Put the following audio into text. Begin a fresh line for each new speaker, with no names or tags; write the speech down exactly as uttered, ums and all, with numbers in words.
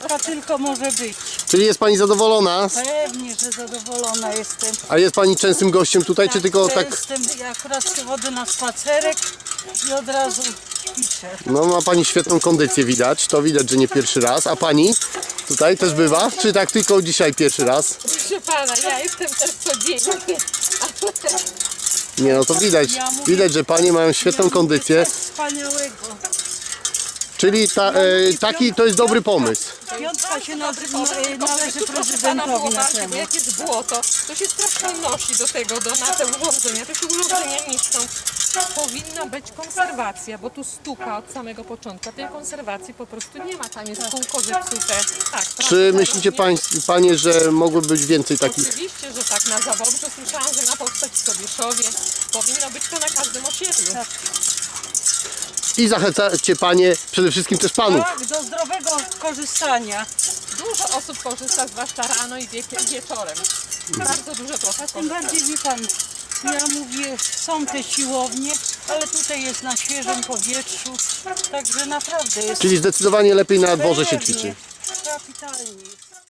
Jaka tylko może być.
Czyli jest Pani zadowolona?
Pewnie, że zadowolona jestem.
A jest Pani częstym gościem tutaj, czy tylko tak...
Jestem, ja akurat przychodzę na spacerek i od razu ćwiczę.
No ma Pani świetną kondycję widać, to widać, że nie pierwszy raz. A Pani tutaj też bywa? Czy tak tylko dzisiaj pierwszy raz?
Proszę pana, ja jestem też codziennie.
Nie no to widać, widać, że Panie mają świetną kondycję.
Coś wspaniałego.
Czyli ta, e, taki to jest dobry pomysł.
Piątka się na,
Dobry pomysł,
na,
tylko
należy
tu, proszę pana,
prezydentowi
było
na
ważne, bo
temat.
jak jest błoto, to się strasznie nosi do tego, do, na te urządzenia. To się urządzenia niszczą. Powinna być konserwacja, bo tu stuka od samego początku. Tej konserwacji po prostu nie ma. Tam jest kółko zepsute. Tak,
Czy
prawda,
myślicie
nie?
pań, Panie, że mogłoby być więcej takich?
Oczywiście, że tak, na Zawobrzu słyszałam, że ma powstać w Sobieszowie. Powinno być to na każdym osiedlu.
I zachęcacie Panie przede wszystkim też Panów.
Tak, do zdrowego korzystania.
Dużo osób korzysta, zwłaszcza rano i wie wieczorem. Bardzo dużo osób
Tym
korzysta.
bardziej wie pan, ja mówię, są te siłownie, ale tutaj jest na świeżym powietrzu, także naprawdę jest
Czyli zdecydowanie lepiej na dworze się
pewnie,
ćwiczy.
kapitalnie jest.